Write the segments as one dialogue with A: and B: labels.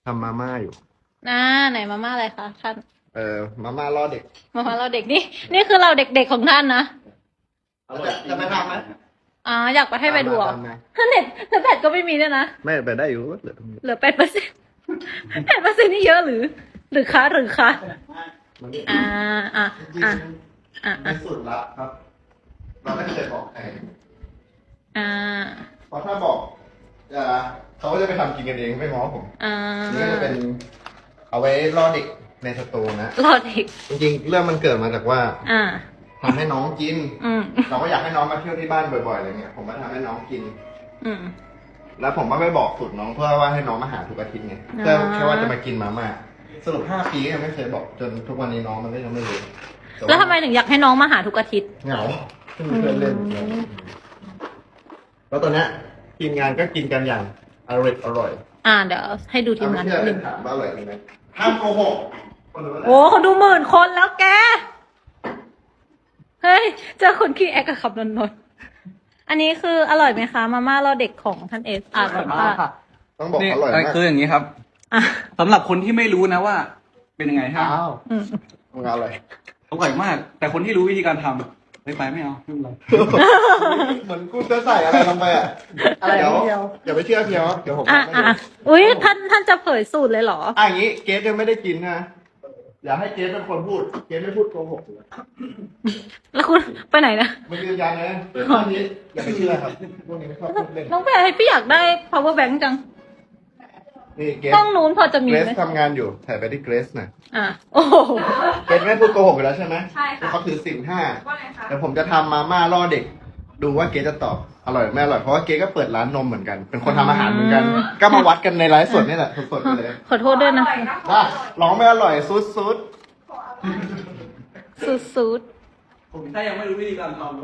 A: ทำมาม่าอยู่
B: ไหนมาม่าอะไรคะท่าน
A: มาม่าล่อเด็ก
B: มาม่าเราเด็กนี่คือเราเด็กๆของท่านนะ
A: จะไปทำไหม
B: อยากไปให้ไปดูเหรอ
A: ตามมา
B: ถ้าเน็ตแต่แบตก็ไม่มีด้วยนะ
A: ไม่ไปได้อยู่เหลือตรงนี้
B: เหลือ8%8%นี่เยอะหรือคะ
A: มันไม่
B: อ่าอ่า
A: จริง
B: อ่า
A: ๆ
B: อ่า
A: ในสุดละครับ เราไม่เคยบอกใคร
B: อ่า
A: เพราะถ้าบอกเขาก็จะไปทำกินกันเองไม่ง้อผม นี่ก็จะเป็นเอาไว้ล่อเด็กในสตูนะ
B: รอเด็ก
A: จริงๆ เรื่องมันเกิดมาจากว่า
B: อ่า
A: ทำให้น้องกิน
B: อืม
A: เราก็อยากให้น้องมาเที่ยวที่บ้านบ่อยๆอะไรเงี้ย ผมก็ทำให้น้องกิน
B: อืม
A: แล้วผมก็ไปบอกสูตรน้องเพื่อว่าให้น้องมาหาทุกอาทิตย์ไง เพื่อแค่ว่าจะมากินมาม่าสรุป5 ปีก็ยังไม่เคยบอกจนทุกวันนี้น้องมันก็ยังไม่รู้
B: แล้วทำไมถึงอยากให้น้องมาหาทุกอาทิตย์
A: เหงาไม่มีเพื่อนเล่น แล้วตอนเนี้ยทีมงานก็กินกันอย่างอร่อย
B: เดี๋ยวให้ดูทีมงาน
A: นิ
B: นิ
A: ด
B: ด
A: นึ
B: นึ
A: ง
B: ง
A: ถามว่าอร่อยไหมห้ามโกหกคนรู้แล้ว
B: โอ้เขาดู10,000 คนแล้วแก เฮ้ย เจอคนขี้แอคกับขับนนท์อันนี้คืออร่อยไหมคะ มาม่ารอเด็กของท่านเอสก่อนค่ะ
A: ต้องบอก
C: นี่
A: อร่อยมาก
C: คืออย่างนี้ครับ
B: อ่ะ
C: สำหรับคนที่ไม่รู้นะว่า เป็นยังไงฮะ
B: อืม
A: มันอร่อย
C: อร่อยมาก แต่คนที่รู้วิธีการทำไปไม่เอาไม่เป็นไร
A: เหมือนกูจะใส่อะไรลงไปอ่ะ
C: อะไร
A: เดี๋ยว
C: เดียว
A: อย่าไปเชื่อเพียวเดี๋ยวผม
B: อ่ะ
A: ทำให้
B: อ่ะ
A: ดู
B: อุ้ยท่านจะเผยสูตรเลยเหรอ
A: อย่างนี้เกสยังไม่ได้กินนะอย่าให้เกสเป็นคนพูด เกสไม่พูดโกหกเลย
B: แล้วคุณไปไหนนะ
A: มันยืนยันนะพวกนี้อย่าไปเชื่อครับพวกนี้ไม่ชอบพูดเล่น
B: น้องแพรพี่อยากได้ power bank จัง
A: นี่เกส
B: ห้องนู้นพอจะมี
A: เกร
B: ไห
A: ซ
B: ม
A: ทำงานอยู่ถ่ายไปที่เกรซหน่อย
B: โอ้โห
A: เกรซไม่พูดโกหกอยู่แล้วใช่ไหม
B: ใช่ค่ะ
A: เขาถือศีล5
B: ว่าไงคะ
A: เดี๋ยวผมจะทำมาม่าล่อเด็ก ดูว่าเกรซจะตอบอร่อยไม่อร่อยเพราะว่าเกรซก็เปิดร้านนมเหมือนกัน เป็นคนทำอาหารเหมือนกัน ก็มาวัดกันในไลฟ์สดนี่แหละสดๆไปเลย
B: ขอโทษด้วยนะ
A: ว่าร้องไม่อร่อยซุด
B: สุด
C: ผมถ้ายังไม่รู้วิธีการทำเลย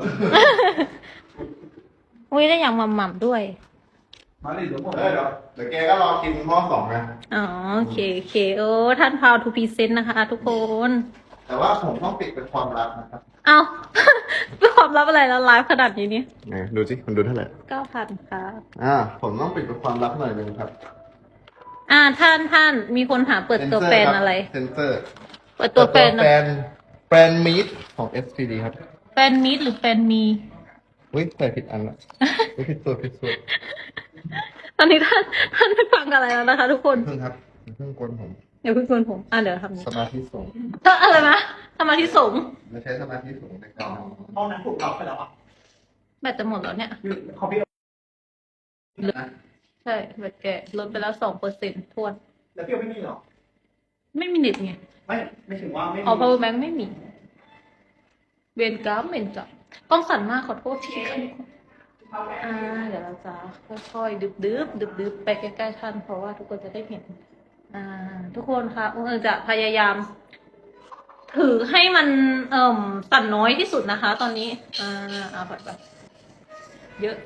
B: ๆอุ้ยได้อย่างหม่ำๆด้วย
C: มาเลยเดี๋ยวผม
A: เดี๋ยวแกก็รอกินหม้อ2นะ
B: อ๋อโอเคโอ้ท่านพาวทูพีเซนต์นะคะ ทุกคน
A: แต่ว่าผมต้องปิดเป็นความลับนะครับ
B: เอา เป็นความลับอะไรแล้วไลฟ์ขนาดนี้นี่
A: ดูสิมันดูเท่าไหร่
B: 9,000ค่ะ
A: ผมต้องปิดเป็นความลับหน่อยนึงครับ
B: ท่านมีคนหาเปิดตัวแฟนอะไร
A: เซนเซอร์
B: เปิดตัวแฟน
A: แฟนมีดของ SPD ครับ
B: แฟนมิดหรือแฟนมี
A: อุ้ยใส่ผิดอันละอุ๊ยผิดตัว
B: ตอนนี้ท่านไม่ฟังอะไรแล้วนะคะ ทุกคน
A: เพิ่งครับเพิ่งกวนผม
B: อย่าเพิ่งกวนผมเดี๋ยวทำ
A: สมาธิสูง
B: อะไรนะทำมาที่สงฆ์
A: ไม่ใช้สมาธิสูงในการทำ
C: ห้องนั้นถูกล็อกไปแล้วอ่ะ
B: แบตจะหมดแล้วเนี่ย
C: คอมพิวเตอร์
B: ใช่แบตแกลดไปแล้ว2%ทวน
C: แล้วพี่ไม่มีหรอ
B: ไม่มีเน็ตไง
C: ไม่ถึงว่าไม่
B: อ๋อ power bank ไม่มีเวนกราฟกล้องสั่นมากขอโทษทีค่ะเดี๋ยวเราจะค่อยๆดึบไปใกล้ๆท่านเพราะว่าทุกคนจะได้เห็น ทุกคนคะจะพยายาม ถือให้มันสั่นน้อยที่สุดนะคะ ตอนนี้แบบเยอะ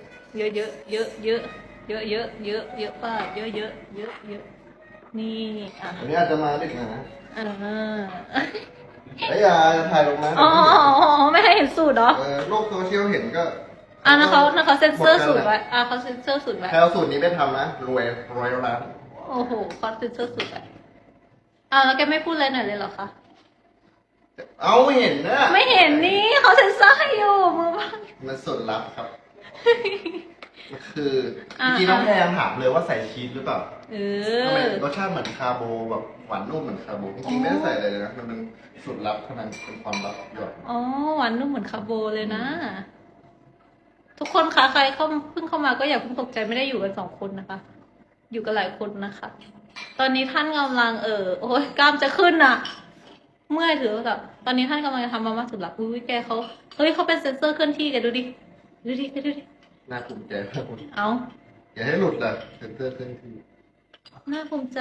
B: ป้าเยอะนี่
A: อันนี้อาจจะมาดึกนะ
B: อ่า
A: ไอ้ยาจะถ่ายลงนะ
B: อ๋อไม่ให้เห็นสูตรเหรอ
A: โลกโซเชียลเห็นก็
B: นะเขาเซ็นเซอร์สูตรไว้เขาเซ็นเซอร์สูตรไว้
A: ใครเอาสูตรนี้ไปทำนะรวยร้าน
B: โอ้โหเขาเซ็นเซอร์สูตรไว้แล้วแกไม่พูดอะไรหน่อยเลยเหรอคะ
A: เอาไม่เห็นนะ
B: ไม่เห็นนี่เขาเซ็นเซอร์ให้อยู่มือบ้าง
A: มันสุดลับครับมันคือจริงๆน้องแพรถามเลยว่าใส่ชีสหรือเปล่าทำไมรสชาติเหมือนคาโบแบบหวานนุ่มเหมือนคาโบจริงๆไม่ได้ใส่อะไรเลยนะมันเป็นสูตรลับเท่านั้นเป็นความลับหยด
B: อ๋อหวานนุ่มเหมือนคาโบเลยนะ ทุกคนคะใครเพิ่งเข้ามาก็อย่าเพิ่งตกใจไม่ได้อยู่กัน2 คนนะคะ อยู่กันหลายคนนะคะ ตอนนี้ท่านกำลังโอ้ยกล้ามจะขึ้นอ่ะ เมื่อยถือแบบตอนนี้ท่านกำลังจะทำมาม่าสุดหลักอุ้ยแกเขาเป็นเซ็นเซอร์เคลื่อนที่แกดูดิดูดิ
A: น่าภูมิใจมาก
B: เอา
A: อย่าให้หลุดเลยเซนเตอร์เคลื่อนที่
B: น่าภูมิใจ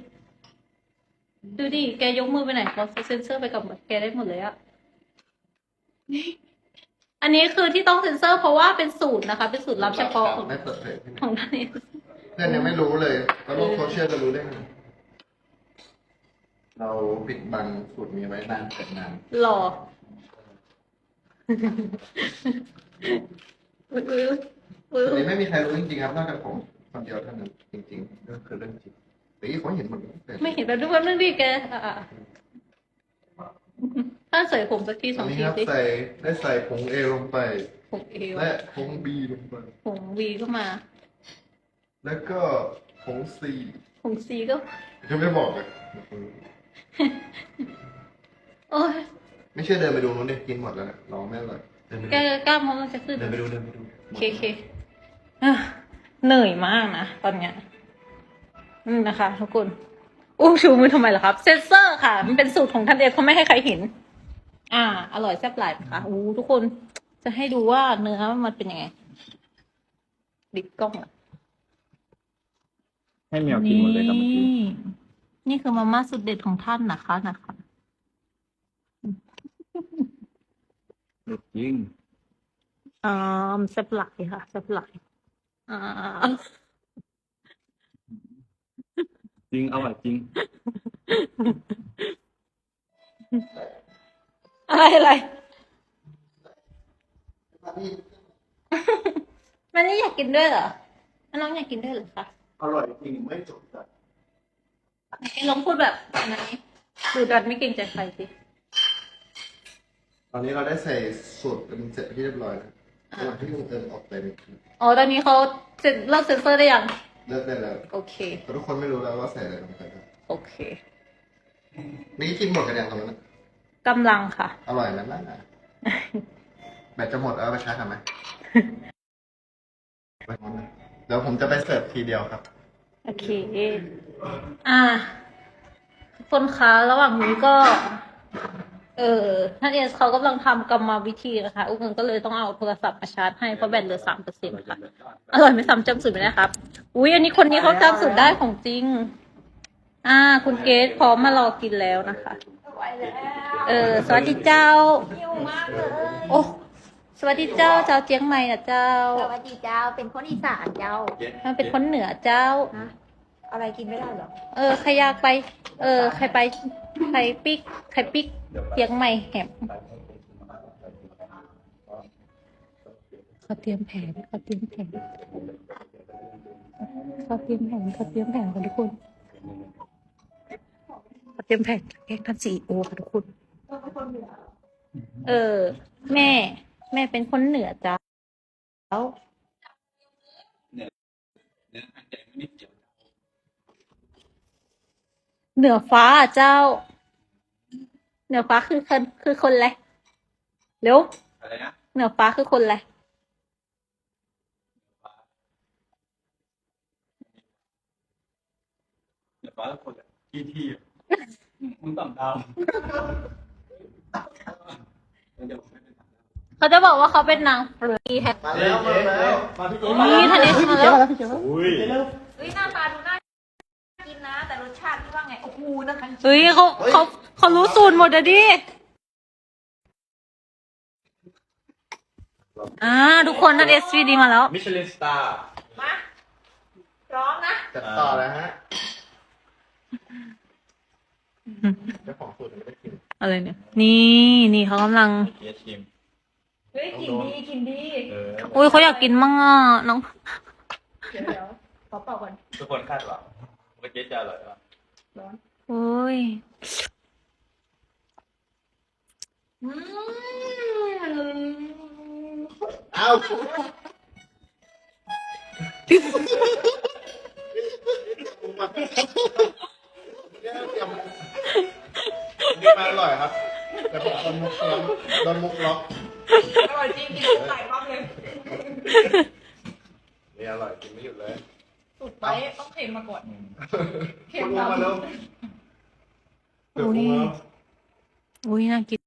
B: ดูดิแกยกมือไปไหนเขาเซ็นเซอร์ไปกับแกได้หมดเลยอะอันนี้คือที่ต้องเซ็นเซอร์เพราะว่าเป็นสูตรนะคะ เป็นสูตรลับเฉพาะของ
A: ไม่เปิดเผยที่ไหน
B: ของท่านเอง
A: เพื่อนยังไม่รู้เลยแล้วโลกโซเชียลจะรู้ได้ไงเราปิดบังสูตรนี้ไว้นานเกินนาน
B: หล่ออุ๊ย
A: อันนี้ไม่มีใครรู้จริงๆครับนอกจากผมคนเดียวเท่านั้นจริงๆก็คือเรื่องจริงแต่ยี่เขาเห็นหมดเลย
B: ไม่เห็นแบบทุกคนนึงดิแกถ้าใส่ผมสักทีส
A: อั
B: อน ง
A: นี้
B: ที
A: ครับ
B: สิ
A: ได้ใส่ผงเอลงไป
B: ผมเอว
A: และผงบีลงไป
B: ผมวีก็มา
A: แล้วก็ผงซี
B: ผมซีก็
A: จะไม่บอกเลย
B: โอ้ย
A: ไม่เชื่อเดินไปดูนู้นดิกินหมดแล้วนะรอไม่อร่อยเดินไป
B: แก
A: ดู
B: กล้ามมันจะขึ้น
A: เดินไปดูเดินไปดู
B: เคอ่ะเหนื่อยมากนะตอนเนี้ยนะคะทุกคนอู้ชูมือทำไมล่ะครับ เซนเซอร์ค่ะ มันเป็นสูตรของท่านเองเขาไม่ให้ใครเห็น อร่อยแซ่บหลายค่ะอู้ทุกคนจะให้ดูว่าเนื้อมันเป็นยังไงดิบกล้องอ่ะ
C: ให้แมวกินหมดเลยครับเมื่อกี้
B: นี่คือมาม่าสุดเด็ดของท่านนะคะ
C: จริง
B: แซ่บหลายค่ะแซ่บหลายอ่า
C: จริงอร่อยจริง
B: อะไรมันนี่อยากกินด้วยเหรอน้องอยากกินด้วยเหรอคะ
A: อร่อยจริงไม่จบจ้ะ
B: ลองพูดแบบอันนี้ดูดันไม่เกรงใจใครสิ
A: ตอนนี้เราได้ใส่สูตรเป็นเสร็จที่เรียบร้อยแล้วระหว่างที่ลุงเอิญออกไปเนี่ย
B: อ๋อตอนนี้เขาเลิกเซ็นเซอร์ได้ยัง
A: เลิกได้แล้ว
B: โอเค
A: แต่ทุกคนไม่รู้แล้วว่าใส่อะไรลงไปบ้าง
B: โอเค
A: นี่กินหมดกันยังตรงนั้นนะ
B: กำลังค่ะ
A: อร่อยไหมล่ะแบตจะหมดแล้วเอาไปชาร์จทำไหมไปหมดเลยเดี๋ยวผมจะไปเสิร์ฟทีเดียวครับ
B: โอเค ทุกคนคะระหว่างนี้ก็ ท่านเอสเขากำลังทำกรรมวิธีนะคะ อุ้งก็เลยต้องเอาโทรศัพท์มาชาร์จให้เพราะแบตเหลือ3%ค่ะ อร่อยไม่ซ้ำจำสูตรไม่ได้ครับ อุ้ยอันนี้คนนี้เขาจำสูตรได้ของจริง คุณเกดพร้อมมารอกินแล้วนะคะ สวัสดีเจ้า
D: หิวมากเลย
B: โอ้ สวัสดีเจ้าเจียงใหม่นะเจ้า
D: สวัสดีเจ้า เป็นคนอีสานเจ้า
B: มันเป็นคนเหนือเจ้า
D: ฮะอะไรกินไม่ได้เหรอ
B: ใครอยากไป ใครไป ใครปิกเจียงใหม่แหมเขาเตรียมแผนกันทุกคน เขาเตรียมแผนแกล้งท่านซีโอค่ะทุกคน แม่เป็นคนเหนือเจ้า เหนือฟ้าเจ้า เหนือฟ้าคือคนอะไรเร็ว
C: อะไรนะ
B: เหนือฟ้าคือคนอะไร
C: เดี๋ยวฟ้าคนที่มึงต่ำดาว
B: เขาจะบอกว่าเขาเป็นนางเฟลือแฮป
A: มาแล้วมาแล้ว
B: นี่ทันเดชมาแล้ว
C: อุ้ย
D: เฮ้ยหน้าตาดูน่ากินนะ แต่รสชาติที่ว่าไง โอ้โหนะคะ
B: เฮ้ยเขารู้สูตรหมดอะดิทุกคนทันเดชวีดีมาแล้ว
C: มิชลินสตาร์
D: มาพร้อมนะ
A: จัดต่อแล้วฮะเจ้าของสูตรยังไม่ได้กิน
B: อะไรเนี่ย นี่เขากำลัง
C: เกียร์ชิม
D: เฮ้ยกินดีกินดี
B: อุ้ยเขาอยากกินมั่งน้อง
D: เดี๋ยวขอเป่าก่อน
C: ทุกคนคาดหวังว่าเกียร์จะอร่อยหรอ
D: ร้อน
B: โอ้ย
A: เอ้านี่มาอร่อยครับ แต่ผมโดนมุกล็อก
D: อร่อยจริงกินหลายรอบเลย
A: นี่อร่อยกินไม่หยุดเลย
D: สุดไปต้องเค็มมาก่อน
A: คุณลงมาเร็วเดี๋ยวคุณมา
B: อุ้ยน่ากิน